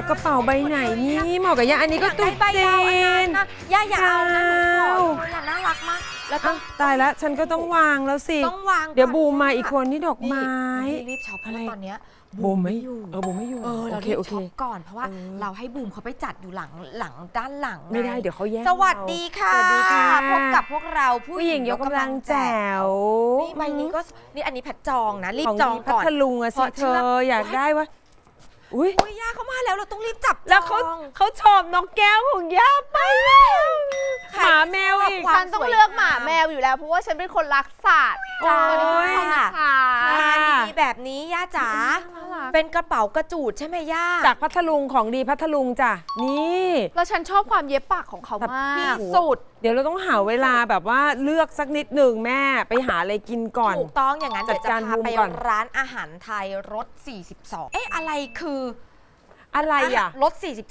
กระเป๋าใบไหนนี่เหมาะกับย่าอันนี้ก็ตุ๊กจีนย่าอย่าเอานะหนูขออย่าน่ารักมากแล้วต้องตายแล้วฉันก็ต้องวางแล้วสิต้องวางเดี๋ยวบูมมาอีกคนที่ดอกไม้รีบช็อปอะไรตอนเนี้ยบูมไม่อยู่บูมไม่อยู่เรารีบช็อปก่อนเพราะว่าเราให้บูมเขาไปจัดอยู่หลังด้านหลังไม่ได้เดี๋ยวเขาแย่งสวัสดีค่ะสวัสดีค่ะพบกับพวกเราผู้หญิงยกกำลังแจ๋วนี่ใบนี้ก็นี่อันนี้แพทจองนะรีบจองก่อนพัทลุงอะสิเธออยากได้วะอุ้ยย่าเขามาแล้วเราต้องรีบจับแล้วเขาชอบนกแก้วของย่าไปแล้วหมาแมวอีกฉันต้องเลือกหมาแมวอยู่แล้วเพราะว่าฉันเป็นคนรักสัตว์จ้าค่ะงานดีแบบนี้ย่าจ๋าเป็นกระเป๋ากระจูดใช่ไหมย่าจากพัทลุงของดีพัทลุงจ้ะนี่แล้วฉันชอบความเย็บปักของเขามากที่สุดเดี๋ยวเราต้องหาเวลาแบบว่าเลือกสักนิดหนึ่งแม่ไปหาอะไรกินก่อนถูกต้องอย่างนั้นเดี๋ยวจะพาไปร้านอาหารไทยรส42อะไรคืออะไรอะรถ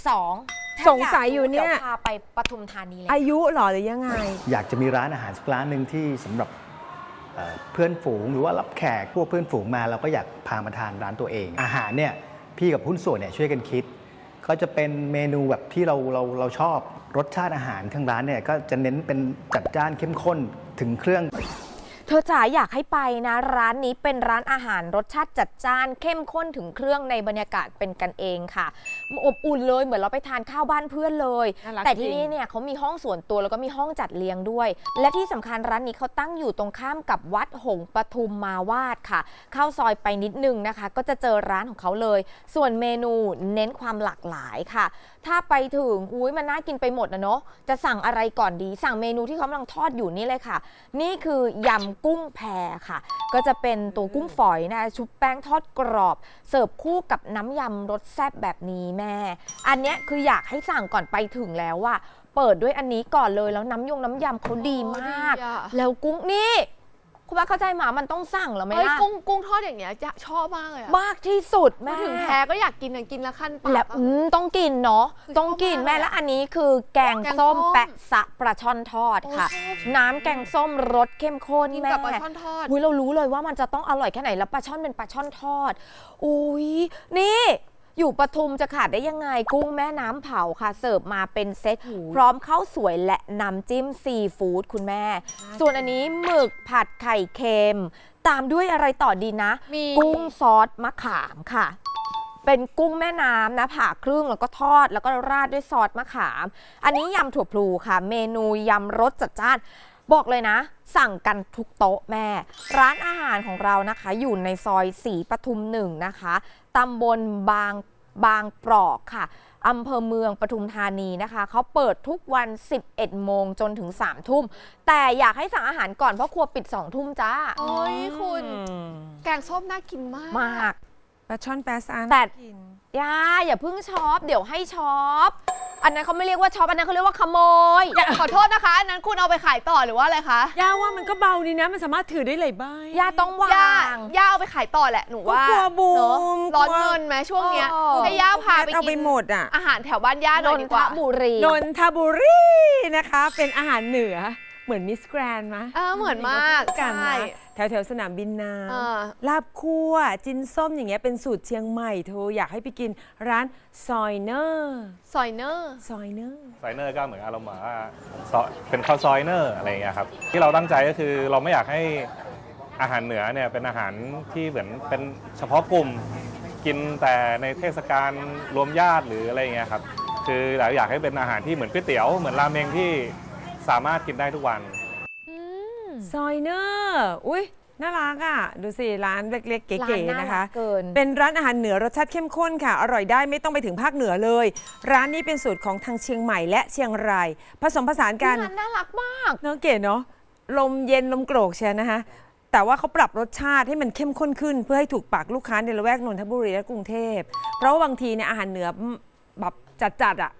42 สงสัยอยู่เนี่ยพาไปปทุมธานีเลยอายุหรอหรือยังไงอยากจะมีร้านอาหารสักร้านหนึ่งที่สำหรับเพื่อนฝูงหรือว่ารับแขกพวกเพื่อนฝูงมาเราก็อยากพามาทานร้านตัวเองอาหารเนี่ยพี่กับหุ้นส่วนเนี่ยช่วยกันคิดก็จะเป็นเมนูแบบที่เราชอบรสชาติอาหารทางร้านเนี่ยก็จะเน้นเป็นจัดจ้านเข้มข้นถึงเครื่องเธอจ๋าอยากให้ไปนะร้านนี้เป็นร้านอาหารรสชาติจัดจ้านเข้มข้นถึงเครื่องในบรรยากาศเป็นกันเองค่ะอบอุ่นเลยเหมือนเราไปทานข้าวบ้านเพื่อนเลยแต่ที่นี่เนี่ยเขามีห้องส่วนตัวแล้วก็มีห้องจัดเลี้ยงด้วยและที่สำคัญร้านนี้เขาตั้งอยู่ตรงข้ามกับวัดหงส์ปทุมมาวาดค่ะเข้าซอยไปนิดนึงนะคะก็จะเจอร้านของเขาเลยส่วนเมนูเน้นความหลากหลายค่ะถ้าไปถึงมันน่ากินไปหมดนะเนาะจะสั่งอะไรก่อนดีสั่งเมนูที่เขากำลังทอดอยู่นี่เลยค่ะนี่คือยำกุ้งแพค่ะก็จะเป็นตัวกุ้งฝอยนะชุบแป้งทอดกรอบเสิร์ฟคู่กับน้ำยำรสแซ่บแบบนี้แม่อันเนี้ยคืออยากให้สั่งก่อนไปถึงแล้วว่าเปิดด้วยอันนี้ก่อนเลยแล้วน้ำยำเขาดีมากแล้วกุ้งนี่คุณป้าเข้าใจหมามันต้องสั่งหรอไหมล่ะกุ้งทอดอย่างเงี้ยจะชอบมากเลยมากที่สุดแม่ถึงแพ้ก็อยากกินกินละขั้นปากแล้วต้องกินเนาะต้องกินแม่แล้วอันนี้คือแกงส้มแปะสะปลาช่อนทอดค่ะน้ำแกงส้มรสเข้มข้นแม่ปลาช่อนทอดเรารู้เลยว่ามันจะต้องอร่อยแค่ไหนแล้วปลาช่อนเป็นปลาช่อนทอดอุ้ยนี่อยู่ปทุมจะขาดได้ยังไงกุ้งแม่น้ำเผาค่ะเสิร์ฟมาเป็นเซตพร้อมข้าวสวยและน้ำจิ้มซีฟู้ดคุณแม่ส่วนอันนี้หมึกผัดไข่เค็มตามด้วยอะไรต่อดีนะกุ้งซอสมะขามค่ะเป็นกุ้งแม่น้ำนะผ่าครึ่งแล้วก็ทอดแล้วก็ราดด้วยซอสมะขามอันนี้ยำถั่วพลูค่ะเมนูยำรสจัดจ้านบอกเลยนะสั่งกันทุกโต๊ะแม่ร้านอาหารของเรานะคะอยู่ในซอยศรีปทุม1นะคะตำบลบางปรอกค่ะอำเภอเมืองปทุมธานีนะคะเขาเปิดทุกวัน11 โมงจนถึง3 ทุ่มแต่อยากให้สั่งอาหารก่อนเพราะครัวปิด2 ทุ่มจ้าโอ้ยคุณแกงส้มน่ากินมากปลาช่อนแปะซานแต่อย่าเพิ่งช็อปเดี๋ยวให้ช็อปอันนั้นเขาไม่เรียกว่าช็อปอันนั้นเขาเรียกว่าขโมยขอโทษนะคะอันนั้นคุณเอาไปขายต่อหรือว่าอะไรคะย่าว่ามันก็เบาดีนะมันสามารถถือได้หลายใบย่าต้องวางย่าเอาไปขายต่อแหละหนูว่ากลัวบูมร้อนเงินไหมช่วงเนี้ยให้ย่าพาไปกินอาหารแถวบ้านย่าหน่อยดีกว่านนทบุรีนะคะเป็นอาหารเหนือเหมือนมิสแกรนด์มั้ยเหมือนมากกันนะแถวสนามบินน้ำลาบคั่วจินส้มอย่างเงี้ยเป็นสูตรเชียงใหม่เธออยากให้ไปกินร้านซอยเนอร์ก็เหมือนอารมณ์ว่าเป็นข้าวซอยเนอร์อะไรอย่างเงี้ยครับที่เราตั้งใจก็คือเราไม่อยากให้อาหารเหนือเนี่ยเป็นอาหารที่เหมือนเป็นเฉพาะกลุ่มกินแต่ในเทศกาลรวมญาติหรืออะไรอย่างเงี้ยครับคือเราอยากให้เป็นอาหารที่เหมือนก๋วยเตี๋ยวเหมือนราเมงที่สามารถกินได้ทุกวันซอยเนอร์อุ้ยน่ารักอ่ะดูสิร้านเล็กๆเก๋ๆนะคะเป็นร้านอาหารเหนือรสชาติเข้มข้นค่ะอร่อยได้ไม่ต้องไปถึงภาคเหนือเลยร้านนี้เป็นสูตรของทางเชียงใหม่และเชียงรายผสมผสานกันน่ารักมากเนาะเก๋เนาะลมเย็นลมโกรกเชียวนะคะแต่ว่าเขาปรับรสชาติให้มันเข้มข้นขึ้นเพื่อให้ถูกปากลูกค้าในละแวกนนทบุรีและกรุงเทพเพราะว่าบางทีเนี่ยอาหารเหนือแบบจัดๆอ่ะ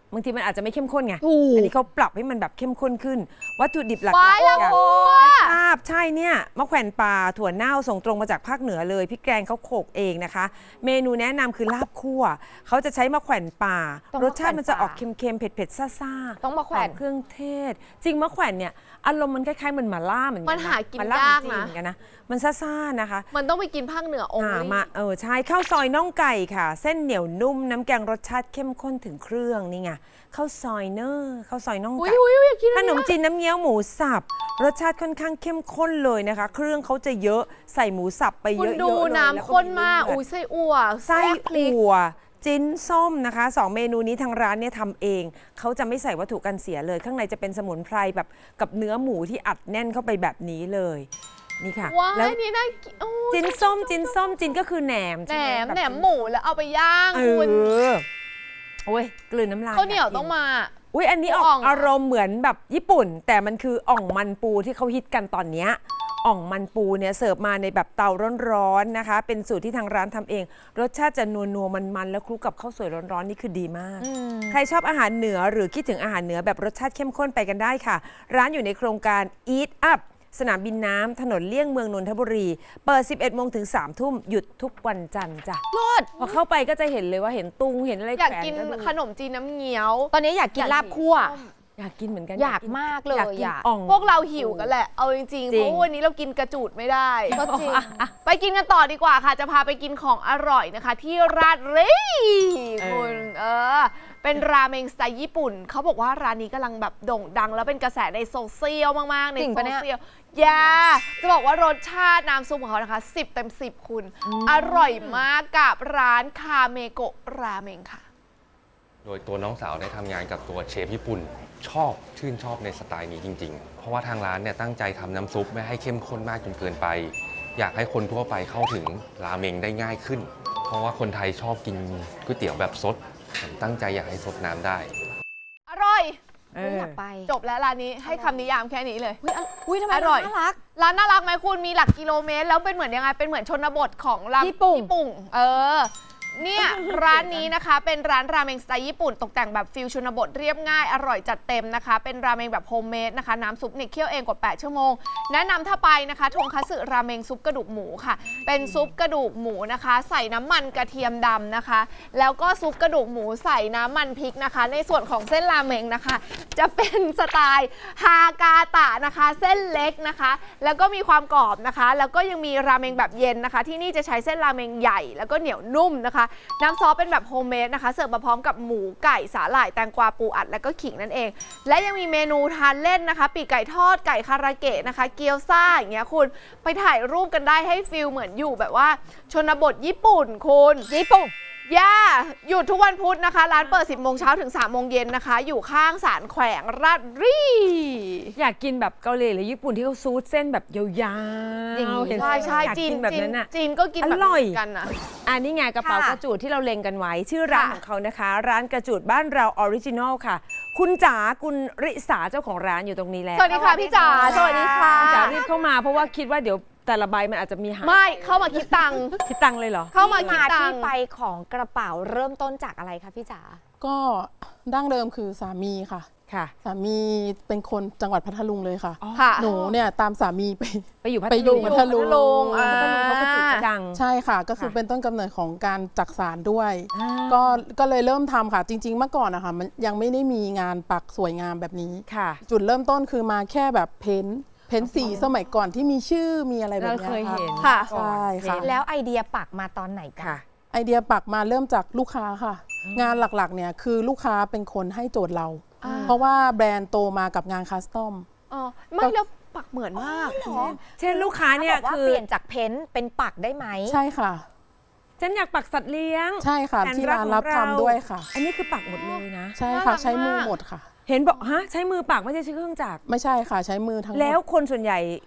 บางทีมันอาจจะไม่เข้มข้นไงถูกอันนี้เขาปรับให้มันแบบเข้มข้นขึ้น วัตถุดิบหลักว้ายๆแล้วอย่างโอ้ลาบใช่เนี่ยมะแขวนป่าถั่วเน่าส่งตรงมาจากภาคเหนือเลยพี่แกงเขาโขกเองนะคะ เมนูแนะนำคือลาบคั่วเขาจะใช้มะแขวนป่าต้องรมะสชาติมันจะแขวนป่าออกเค็มๆเผ็ดๆซ่าๆต้องมะแขวนหอเครื่องเทศ จริงมะแขวนเนี่ยอารมณ์มันคล้ายๆเหมือนหม่าล่าเหมือนกัมันหากินหม่ล่ยากขอนะงจีเหมือนกันนะมันซ่าๆนะคะมันต้องไปกินภาคเหนือองค์มาใช่ข้าวซอยน่องไก่ค่ะ เส้นเหนียวนุ่มน้ำแกงรสชาติเข้มข้นถึงเครื่องนี่ไงข้าวซอยเนอร์ข้าวซอยน่องอุ้ยไก่อุ้ยอยากกินขนมจีนน้ำเงี้ยวหมูสับรสชาติค่อนข้างเข้มข้นเลยนะคะ เครื่องเขาจะเยอะใส่หมูสับไปคุเยณอะๆดูเลยน้ำข้นมากแล้วอุ้ยไส้อั่วไส้แซ่บพริกอั่วจิ้นส้มนะคะ2เมนูนี้ทางร้านเนี่ยทำเองเขาจะไม่ใส่วัตถุกันเสียเลย ข้างในจะเป็นสมุนไพรแบบกับเนื้อหมูที่อัดแน่นเข้าไปแบบนี้เลยนี่ค่ะว้าแล้วยนี่น่ากินโอ้ยจิ้นส้มจิ้นก็คือแหนมแหนใช่ไหมแบบแหนมหมูแล้วเอาไปย่างเอคุณอโอ้ยกลืนน้ำลายข้าวเหนียวากกิต้องมาอุ้ยอันนี้ออ่ออก งอารมณ์เหมือนแบบญี่ปุ่น แต่มันคืออ่องมันปูที่เขาฮิตกันตอนเนี้ยอ่องมันปูเนี่ยเสิร์ฟมาในแบบเตาร้อนๆนะคะ เป็นสูตรที่ทางร้านทำเอง รสชาติจะนัวๆมันๆแล้วคลุกกับข้าวสวยร้อนๆนี่คือดีมาก ใครชอบอาหารเหนือหรือคิดถึงอาหารเหนือแบบรสชาติเข้มข้นไปกันได้ค่ะ ร้านอยู่ในโครงการ Eat Up สนามบินน้ำถนนเลี่ยงเมืองนนทบุรี เปิด 11 โมงถึง 3 ทุ่มหยุดทุกวันจันทร์จ้ะรสพอเข้าไปก็จะเห็นเลยว่าเห็นตุงเห็นอะไรอยากแขวนกินดูขนมจีนน้ำเงี้ยวตอนนี้อยากกินลาบคั่วอยากกินเหมือนกันอยากมากเลยอยากกินอะอ่องพวกเราหิวกันแหละ เอาจริงๆจริเพงราะวันนี้เรากินกระจูดไม่ได้ก็จริงไปกินกันต่อดีกว่าค่ะ จะพาไปกินของอร่อยนะคะ ที่ราดรีคุณเป็นราเมงสไตล์ญี่ปุ่น เขาบอกว่าร้านนี้กำลังแบบโด่งดัง แล้วเป็นกระแสในโซเชียลมากๆ ในจริงโซปะเนี่ยเชียลจะบอกว่ารสชาติน้ำซุปของเขานะคะ10 เต็ม 10 คุณ อร่อยมากกับร้านคาเมโกะราเมงค่ะโดยตัวน้องสาวได้ทำงานกับตัวเชฟญี่ปุ่นชื่นชอบในสไตล์นี้จริงๆ เพราะว่าทางร้านเนี่ยตั้งใจทำน้ำซุปไม่ให้เข้มข้นมากจนเกินไป อยากให้คนทั่วไปเข้าถึงราเมงได้ง่ายขึ้น เพราะว่าคนไทยชอบกินก๋วยเตี๋ยวแบบซดผมตั้งใจอยากให้ซดน้ำได้อร่อยอยากไปจบแล้วร้านนี้ให้คำนิยามแค่นี้เลยอุ้ยทำไมอร่อยน่ารักร้านน่ารักไหมคุณมีหลักกิโลเมตร แล้วเป็นเหมือนยังไงเป็นเหมือนชนบทของร้านญี่ปุ่งเนี่ย ร้านนี้นะคะเป็นร้านราเมงสไตล์ญี่ปุ่นตกแต่งแบบฟิลชนบทเรียบง่ายอร่อยจัดเต็มนะคะ เป็นราเมงแบบโฮมเมดนะคะน้ำซุปเนี่ยเคี่ยวเองกว่า8ชั่วโมงแนะนำถ้าไปนะคะทงคัตสึราเมงซุปกระดูกหมูค่ะ เป็นซุปกระดูกหมูนะคะ ใส่น้ำมันกระเทียมดำนะคะ แล้วก็ซุปกระดูกหมูใส่น้ำมันพริกนะคะ ในส่วนของเส้นราเมงนะคะ จะเป็นสไตล์ฮากาตะนะคะ เส้นเล็กนะคะ แล้วก็มีความกรอบนะคะ แล้วก็ยังมีราเมงแบบเย็นนะคะ ที่นี่จะใช้เส้นราเมงใหญ่แล้วก็เหนียวนุ่มนะคะน้ำซอสเป็นแบบโฮมเมดนะคะเสิร์ฟมาพร้อมกับหมูไก่สาหร่ายแตงกวาปูอัดและก็ขิงนั่นเอง และยังมีเมนูทานเล่นนะคะปีกไก่ทอดไก่คาราเกะนะคะ เกี๊ยวซ่าอย่างเงี้ยคุณไปถ่ายรูปกันได้ให้ฟิลเหมือนอยู่แบบว่าชนบทญี่ปุ่นคุณญี่ปุ่นหยุดทุกวันพุธนะคะ ร้านเปิด 10 โมงเช้าถึง 3 โมงเย็นนะคะ อยู่ข้างศาลแขวงราชรีอยากกินแบบเกาหลีหรือญี่ปุ่นที่เขาซูดเส้นแบบยาวๆอย่างนี้เห็นใช่อยากจีนกินแบบนั้นอ่ะจีนก็กินแบบอร่อยนี้กันนะอันนี้ไงกระเป๋ากระจูดที่เราเล็งกันไว้ ชื่อร้านค่ะของเขานะคะ ร้านกระจูดบ้านเราออริจินอลค่ะ คุณจ๋าคุณริษาเจ้าของร้านอยู่ตรงนี้แล้วสวัสดีค่ะพี่จ๋าสวัสดีค่ะคุณจ๋ารีบเข้ามาเพราะว่าคิดว่าเดี๋ยวแต่ละใบมันอาจจะมีหายไม่เข้ามาคิดตังค์คิดตังค์เลยเหรอเข้ามาคิดที่ตังที่ค์ไปของกระเป๋าเริ่มต้นจากอะไรคะพี่จ๋าก็ดั้งเดิมคือสามีค่ะค่ะสามีเป็นคนจังหวัดพัทลุงเลยค่ะค่ะหนูเนี่ยตามสามีไปไปอยู่พัทไปอยู่ลุงพัทลุงพัทลุงเขากระจูดจะดังใช่ค่ะ ก็คือค่ะเป็นต้นกำเนิดของการจักสานด้วยอ่าก็เลยเริ่มทำค่ะ จริง ๆ เมื่อก่อนนะคะมันยังไม่ได้มีงานปักสวยงามแบบนี้ค่ะจุดเริ่มต้นคือมาแค่แบบเพ้นท์สีสมัยก่อนที่มีชื่อมีอะไรแบบเราเนี้ยเคยค่ะเห็นค่ะใช่ค่ะแล้วไอเดียปักมาตอนไหนกันค่ะไอเดียปักมาเริ่มจากลูกค้าค่ะ งานหลักๆเนี่ยคือลูกค้าเป็นคนให้โจทย์เราอ่าเพราะว่าแบรนด์โตมากับงานคัสตอมอ๋อไม่แล้วปักเหมือนมากเช่นลูกค้าเนี่ยบอกว่าคือเปลี่ยนจากเพ้นท์เป็นปักได้ไหมใช่ค่ะฉันอยากปักสัตว์เลี้ยงใช่ค่ะแผที่กร้านของรับทำด้วยค่ะอันนี้คือปักหมดเลยนะใช่น่ารัค่ะกใช้มือมากหมดค่ะเห็นบอกฮะใช้มือปักไม่ใช่ใช้เครื่องจักรไม่ใช่ค่ะใช้มือทั้งหมดแล้วคนส่วนใหญ่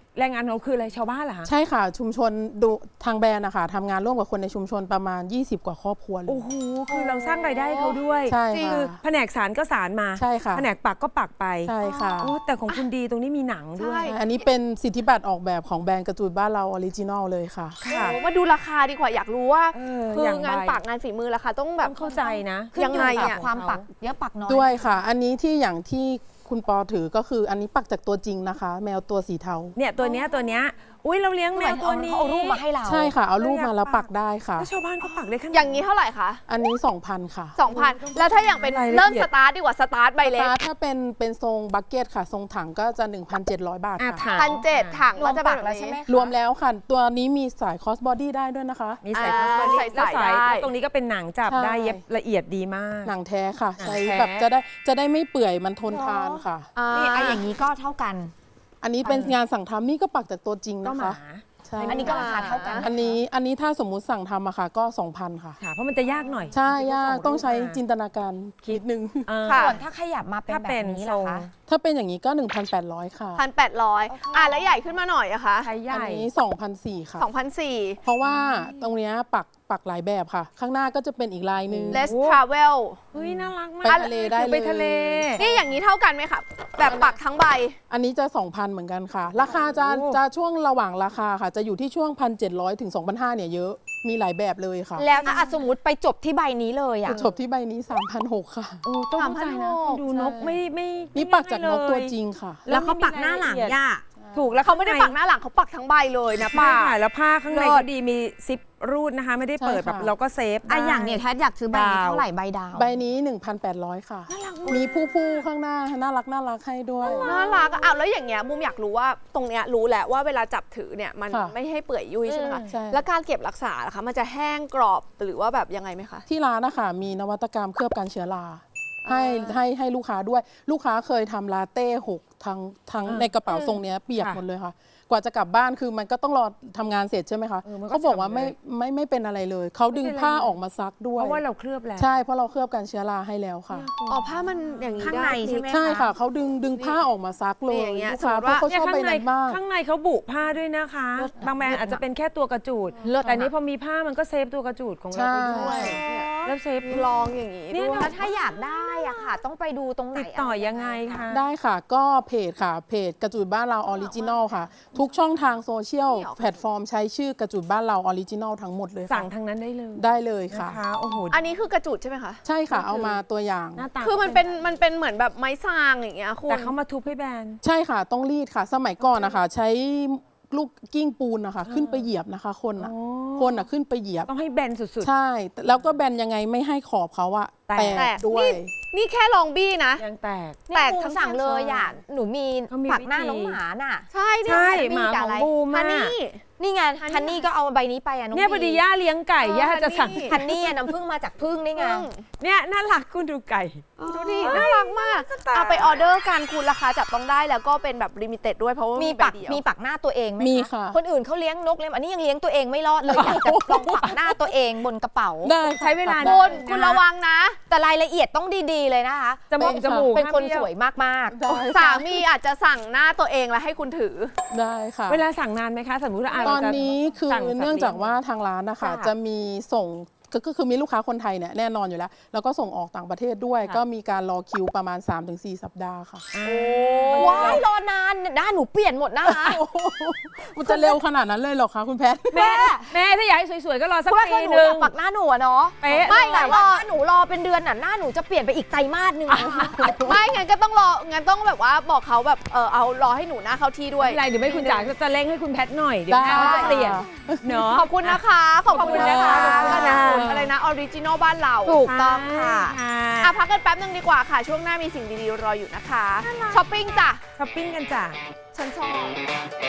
แรงงานของเราคืออะไรชาวบ้านเหรอคะใช่ค่ะชุมชนดูทางแบรนด์นะคะทำงานร่วมกับคนในชุมชนประมาณ 20 กว่าครอบครัวเลยโอ้โหคือเราสร้างรายได้ให้เขาด้วยใช่คืค่ะอแผนกสารก็สารมาใช่ค่ะแผนกปักก็ปักไปใช่ค่ะโอ้แต่ของคุณดีตรงนี้มีหนังด้วยใช่อันนี้เป็นสิทธิบัตรออกแบบของแบรนด์กระจูดบ้านเราออริจินอลเลยค่ะค่ะโอ้มาดูราคาดีกว่าอยากรู้ว่า คืออย่างงานใบปักงานฝีมือราคาต้องแบต้บองเข้าใจนะยังไงขึ้นอยู่อะกับความปักเยอะปักน้อยด้วยค่ะ อันนี้ที่อย่างที่คุณปอถือก็คืออันนี้ปักจากตัวจริงนะคะ แมวตัวสีเทาเนี่ยตัวเนี้ยอุ้ยเราเลี้ยงแมวตัวนี้เขาเอารูปมาให้เราใช่ค่ะ เอารูปเราอยากมาแล้วปัปักกได้ค่ะแล้วชาวบ้านเขาปักได้ขนาดอย่างนี้เท่าไหร่คะอันนี้ 2,000 ค่ะ 2,000 แล้วถ้าอย่างเป็นรายละเอียดเริ่มสตาร์ทดีกว่าสตาร์ทใบเล็กถ้าเป็นทรงบักเก็ตค่ะ ทรงถังก็จะ 1,700 บาทอ่ะค่ะถัง 1,700ถังรวก็มจะแบปับกแล้วใช่ไหมคะรวมแล้วค่ะ ตัวนี้มีสายคอสบอดี้ได้ด้วยนะคะมีสายอ่าคอสบอดี้ใส่แล้วได้แล้วตรงนี้ก็เป็นหนังจับใช่ได้เย็บละเอียดดีมากหนังแท้ค่ะหนังใช้แท้แบบจะได้ไม่เปื่อยมันทนทานค่ะนี่ไอ้อย่างนี้ก็เท่ากันอันนี้เป็นงานสั่งทำนี่ก็ปักจากตัวจริงก็นะหมาคะใช่อันนี้ก็ราคาเท่ากันอันนี้ถ้าสมมุติสั่งทำอะค่ะก็ 2,000 ค่ะค่ะเพราะมันจะยากหน่อยใช่ยากส่งรูปต้องใช้มาจินตนาการนิดนึงค่ะส่วนถ้าขยับมาเป็นถ้าแบเป็นบนี้ทรล่ะงคะถ้าเป็นอย่างนี้ก็ 1,800 ค่ะ 1,800แล้วใหญ่ขึ้นมาหน่อยอะคะใช้ใหอันญ่นี้ 2,400 ค่ะ 2,400 เพราะว่าตรงเนี้ยปักหลายแบบค่ะ ข้างหน้าก็จะเป็นอีกลายหนึ่ง Let's Travel เฮ้ยน่ารักมากไปทะเลได้เลยไปทะเลนี่อย่างนี้เท่ากันไหมคะแบบปักทั้งใบอันนี้จะ 2,000 เหมือนกันค่ะ ราคาจะช่วงระหว่างราคาค่ะ จะอยู่ที่ช่วง 1,700 ถึง 2,500 เนี่ยเยอะ มีหลายแบบเลยค่ะแล้วถ้าสมมติไปจบที่ใบนี้เลยอ่ะจบที่ใบนี้ 3,600 ค่ะโอ้ต้องเข้าใจนะ 3,600 ดูนกไม่นี่ปักจากนกตัวจริงค่ะแล้วเขาปักหน้าหลังย่าถูกแล้วเขาไม่ได้ปักหน้าหลังเขาปักทั้งใบเลยนะป้าป้าแล้วผ้าข้างในเลิศก็ดีมีซิปรูดนะคะ ไม่ได้เปิดใช่แบบค่ะเราก็เซฟอ่ะได้อย่างเนี่ยแทสอยากซื้อใบนี้ดาวเท่าไหร่ใบดาวใบนี้ 1,800 ค่ะ มีผู้ข้างหน้าน่ารักให้ด้วยน่ารักอะอ้าวแล้วอย่างเงี้ยมุมอยากรู้ว่าตรงเนี้ยรู้แหละว่าเวลาจับถือเนี่ยมันค่ะไม่ให้เปื่อยยุ่ยใช่ไหมคะใช่แล้วการเก็บรักษาล่ะคะมันจะแห้งกรอบหรือว่าแบบยังไงไหมคะที่ร้านนะคะมีนวัตกรรมเคลือบกันเชื้อราให้ลูกค้าด้วย ลูกค้าเคยทำลาเต้หกทั้งในกระเป๋าทรงเนี้ยเปียกหมดเลยค่ะ กว่าจะกลับบ้านคือมันก็ต้องรอทำงานเสร็จใช่ไหมคะมันก็เขาบอกว่าฉ่ำเลยไม่เป็นอะไรเลย เขาดึงผ้าออกมาซักด้วเพยราะว่าเราเคลือบแล้วใช่เพราะเราเคลือบกันเชื้อราให้แล้วค่ะอ๋อผ้ามันอย่างนี้ข้างได้ในใช่ไหมใช่ค่ะเขาดึงผ้าออกมาซักเลยนี่อย่างเงี้ยลูกค้าสมมุติเพราะว่าเขาชอบใบนั้นมากข้างในเขาบุผ้าด้วยนะคะ บางแบรนด์อาจจะเป็นแค่ตัวกระจูดเลิศแต่นี้พอมีผ้ามันก็เซฟตัวกระจูดของเราไปด้วยใช่แล้วเซฟลองอย่างนี้เนี่ยด้วยแล้วถ้าอยากได้อ่ะค่ะ ต้องไปดูตรงไหนติดต่อยังไงคะได้ค่ะก็เพจค่ะเพจกระจุดบ้านเราออริจินอลค่ะ ทุกช่องทางโซเชียลแพลตฟอร์มใช้ชื่อกระจุดบ้านเราออริจินอลทั้งหมดเลยค่ะสั่งทางนั้นได้เลยได้เลยนะค่ะคะโอ้โหอันนี้คือกระจุดใช่ไหมคะใช่ค่ะเอามาตัวอย่างหน้าตาคือมันเป็นเหมือนแบบไม้ซางอย่างเงี้ยคุณแต่เขามาทุบให้แบนใช่ค่ะต้องรีดค่ะ สมัยก่อนนะคะใช้ลูกกิ้งปูนนะคะขึ้นไปเหยียบนะคะคนอ่ะโอ้คนอ่ะขึ้นไปเหยียบต้องให้แบนสุดใช่ แล้วก็แบนยังไงไม่ให้ขอบเขาอะแตกแตกด้วยนี่แค่ลองบี้นะๆยังแตกเนี่ยแตกบูมทั้งสั่งเลยอ่ะหนูมีเขามีปักหน้าวิธีน้องหมาน่ะใช่เนี่ยใช่มีหมากับของอะไรบูมอะฮันนี่นี่ไงฮันนี่ก็เอาใบนี้ไปอ่ะน้องเนี่ยพอดีย่าเลี้ยงไก่ย่าจะสั่งนี่ฮันนี่อะน้ำผึ้งมาจากผึ้งนี่ไงเนี่ยน่ารักคุณดูไก่ดูดิน่ารักมากเอาไปออเดอร์กันคุณราคาจับต้องได้แล้วก็เป็นแบบลิมิเต็ดด้วยเพราะว่ามีมีใบปักเดียวมีปักหน้าตัวเองไหมมีค่ะคนอื่นเขาเลี้ยงนกเลี้ยงอันนี้ยังเลี้ยงตัวเองไม่รอดเลยอยากจะลองปักหน้าตัวเองบนกระเป๋าได้ค่ะใช้เวลาคุณระวังนะแต่รายละเอียดต้องดีๆเลยนะคะจมูกจมูกเป็นคนห้ามเบี้สยววยมากได้สาค่ะมีอาจจะสั่งหน้าตัวเองแล้วให้คุณถือได้ค่ะเวลาสั่งนานไหมคะ สมมติว่าตอนนี้คือเนื่องจากว่าทางร้านนะคะค่ะจะมีส่งก็คือมีลูกค้าคนไทยเนี่ยแน่นอนอยู่แล้ว แล้วก็ส่งออกต่างประเทศด้วยค่ะก็มีการรอคิวประมาณ 3-4 สัปดาห์ค่ะๆ ว้ายรอนานหน้าหนูเปลี่ยนหมดนะคะมันจะเร็วขนาดนั้นเลยเหรอคะคุณแพทย์แม่ถ้าอยากให้สวยๆ ก็รอสักเพราะว่าปีถ้าหนูหนึ่อง ยากปักหน้าหนูอะเนาะเป๊ะไม่เลยแต่ว่าถ้าหนูรอเป็นเดือนน่ะหน้าหนูจะเปลี่ยนไปอีกไตรมาสหนึงนะคะไม่งั้นก็ต้องรองั้นต้องแบบว่าบอกเขาแบบเอารอให้หนูหน้าเข้าที่ด้วยไม่เป็นไรเดี๋ยวไม่คุณจ๋าจะเร่งให้คุณแพทหน่อย เดี๋ยวได้แม่เขาจะเปลี่ยนเนาะขอบคุณนะคะ ขอบคุณนะคะขอบคุณค่ะอะไรนะออริจินอลบ้านเราถูกต้องค่ะอ่ะพักกันแป๊บนึงดีกว่าค่ะ ช่วงหน้ามีสิ่งดีๆรออยู่นะคะช้อปปิ้งจ้ะช้อปปิ้งกันจ้ะฉันชอบ